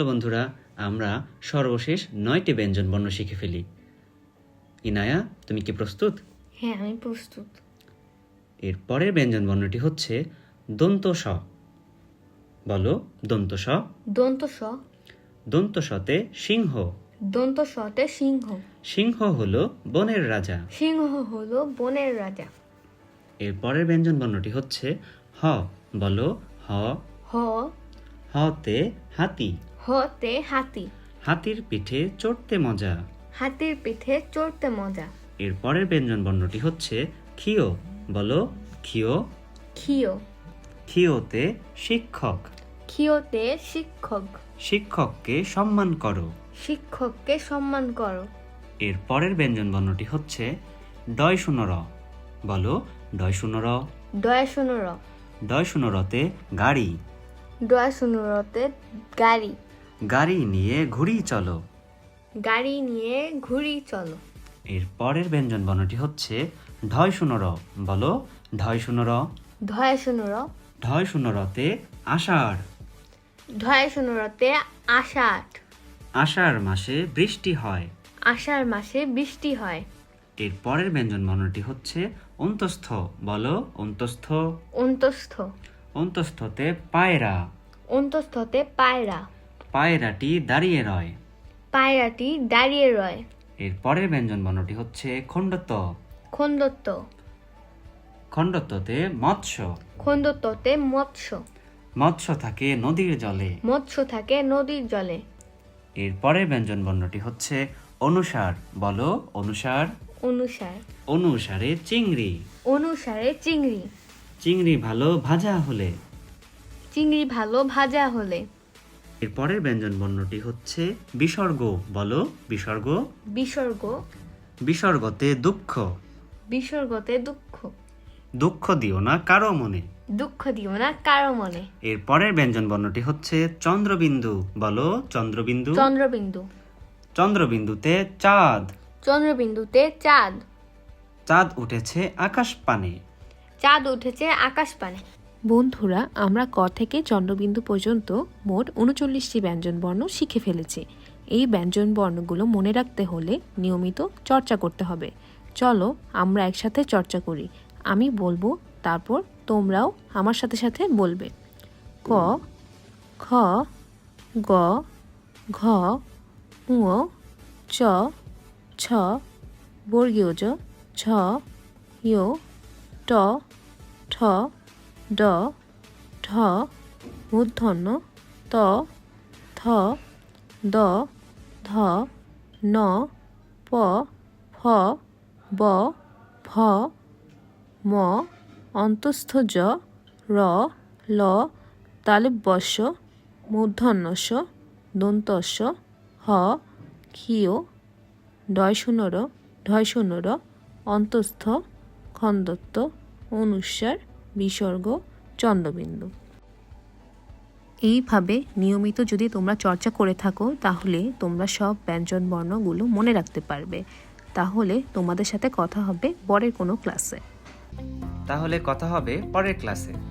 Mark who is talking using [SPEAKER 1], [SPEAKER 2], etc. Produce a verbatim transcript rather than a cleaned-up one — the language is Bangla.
[SPEAKER 1] চলো বন্ধুরা, আমরা সর্বশেষ নয়টি ব্যঞ্জনবর্ণ শিখে ফেলি। ইনায়া, তুমি কি প্রস্তুত?
[SPEAKER 2] হ্যাঁ, আমি প্রস্তুত।
[SPEAKER 1] এর পরের ব্যঞ্জনবর্ণটি হচ্ছে দন্ত স। বলো দন্ত স।
[SPEAKER 2] দন্ত স।
[SPEAKER 1] দন্ত সতে সিংহ।
[SPEAKER 2] দন্ত সতে সিংহ।
[SPEAKER 1] সিংহ হলো বনের রাজা।
[SPEAKER 2] সিংহ হলো বনের রাজা।
[SPEAKER 1] এর পরের ব্যঞ্জনবর্ণটি হচ্ছে হ। বলো হ।
[SPEAKER 2] হ।
[SPEAKER 1] হতে হাতি।
[SPEAKER 2] হতে হাতি।
[SPEAKER 1] হাতির পিঠে চড়তে মজা।
[SPEAKER 2] হাতির পিঠে চড়তে মজা।
[SPEAKER 1] এর পরের ব্যঞ্জনবর্ণটি হচ্ছে ক্ষিয়। বলো ক্ষিয়।
[SPEAKER 2] ক্ষিয়।
[SPEAKER 1] ক্ষিয়তে শিক্ষক।
[SPEAKER 2] ক্ষিয়তে শিক্ষক।
[SPEAKER 1] শিক্ষককে সম্মান করো।
[SPEAKER 2] শিক্ষককে সম্মান করো।
[SPEAKER 1] এর পরের ব্যঞ্জনবর্ণটি হচ্ছে ডয় শূন্য র। বলো ডয় শূন্য র।
[SPEAKER 2] ডয় শূন্য র।
[SPEAKER 1] ডয় শূন্য রতে গাড়ি।
[SPEAKER 2] ডয় শূন্য রতে গাড়ি।
[SPEAKER 1] গাড়ি নিয়ে ঘুরি চলো।
[SPEAKER 2] গাড়ি নিয়ে ঘুরি চলো।
[SPEAKER 1] এর পরের ব্যঞ্জনবর্ণটি হচ্ছে ঢয় শূন্য র। বলো ঢয় শূন্য র।
[SPEAKER 2] ঢয় শূন্য র।
[SPEAKER 1] ঢয় শূন্য রতে আষাঢ়।
[SPEAKER 2] ঢয় শূন্য রতে আষাঢ়।
[SPEAKER 1] আষাঢ় মাসে বৃষ্টি হয়।
[SPEAKER 2] আষাঢ় মাসে বৃষ্টি হয়।
[SPEAKER 1] এর পরের ব্যঞ্জনবর্ণটি হচ্ছে অন্তস্থ। বলো অন্তস্থ।
[SPEAKER 2] অন্তস্থ।
[SPEAKER 1] অন্তস্থতে পায়রা।
[SPEAKER 2] অন্তস্থতে পায়রা।
[SPEAKER 1] পায়রাটি দাঁড়িয়ে রয়।
[SPEAKER 2] পায়রাটি দাঁড়িয়ে রয়।
[SPEAKER 1] এর পরের ব্যঞ্জনবর্ণটি হচ্ছে খণ্ডত্ব।
[SPEAKER 2] খণ্ডত্ব।
[SPEAKER 1] খণ্ডত্বতে মৎস্য।
[SPEAKER 2] খণ্ডত্বতে মৎস্য।
[SPEAKER 1] মৎস্য থাকে নদীর জলে।
[SPEAKER 2] মৎস্য থাকে নদীর জলে।
[SPEAKER 1] এর পরের ব্যঞ্জনবর্ণটি হচ্ছে অনুসার। বলো অনুসার।
[SPEAKER 2] অনুসার।
[SPEAKER 1] অনুসারে চিংড়ি।
[SPEAKER 2] অনুসারে চিংড়ি।
[SPEAKER 1] চিংড়ি ভালো ভাজা হলে।
[SPEAKER 2] চিংড়ি ভালো ভাজা হলে।
[SPEAKER 1] এর পরের ব্যঞ্জনবর্ণটি হচ্ছে বিসর্গ। বলো বিসর্গ।
[SPEAKER 2] বিসর্গ।
[SPEAKER 1] বিসর্গতে দুঃখ।
[SPEAKER 2] বিসর্গতে দুঃখ।
[SPEAKER 1] দুঃখ দিও না কারো মনে।
[SPEAKER 2] দুঃখ দিও না কারো মনে।
[SPEAKER 1] এর পরের ব্যঞ্জনবর্ণটি হচ্ছে চন্দ্রবিন্দু। বলো চন্দ্রবিন্দু।
[SPEAKER 2] চন্দ্রবিন্দু।
[SPEAKER 1] চন্দ্রবিন্দুতে চাঁদ।
[SPEAKER 2] চন্দ্রবিন্দুতে চাঁদ।
[SPEAKER 1] চাঁদ উঠেছে আকাশ পানে।
[SPEAKER 2] চাঁদ উঠেছে আকাশ পানে।
[SPEAKER 3] বন্ধুরা, আমরা ক থেকে চন্দ্রবিন্দু পর্যন্ত মোট উনচল্লিশটি ব্যঞ্জনবর্ণ শিখে ফেলেছি। এই ব্যঞ্জনবর্ণগুলো মনে রাখতে হলে নিয়মিত চর্চা করতে হবে। চলো আমরা একসাথে চর্চা করি। আমি বলবো, তারপর তোমরাও আমার সাথে সাথে বলবে। ক, খ, গ, ঘ, ঙ, চ, ছ, বর্গীয় জ, ছ, য়, ট, ঠ, ড, ঢ, মূর্ধন্য ত, থ, দ, ধ, ন, প, ফ, ব, ভ, ম, অন্তস্থ জ, র, ল, তালব্যস্য, মূর্ধন্যস্য, দন্তস্য, হ, ক্ষীয়, ডয় শূন্য র, ঢয় শূন্য র, অন্তস্থ, খণ্ডত্ব, অনুস্বার, বিসর্গ, চন্দ্রবিন্দু। এইভাবে নিয়মিত যদি তোমরা চর্চা করে থাকো তাহলে তোমরা সব ব্যঞ্জনবর্ণগুলো মনে রাখতে পারবে। তাহলে তোমাদের সাথে কথা হবে পরের কোনো ক্লাসে।
[SPEAKER 1] তাহলে কথা হবে পরের ক্লাসে।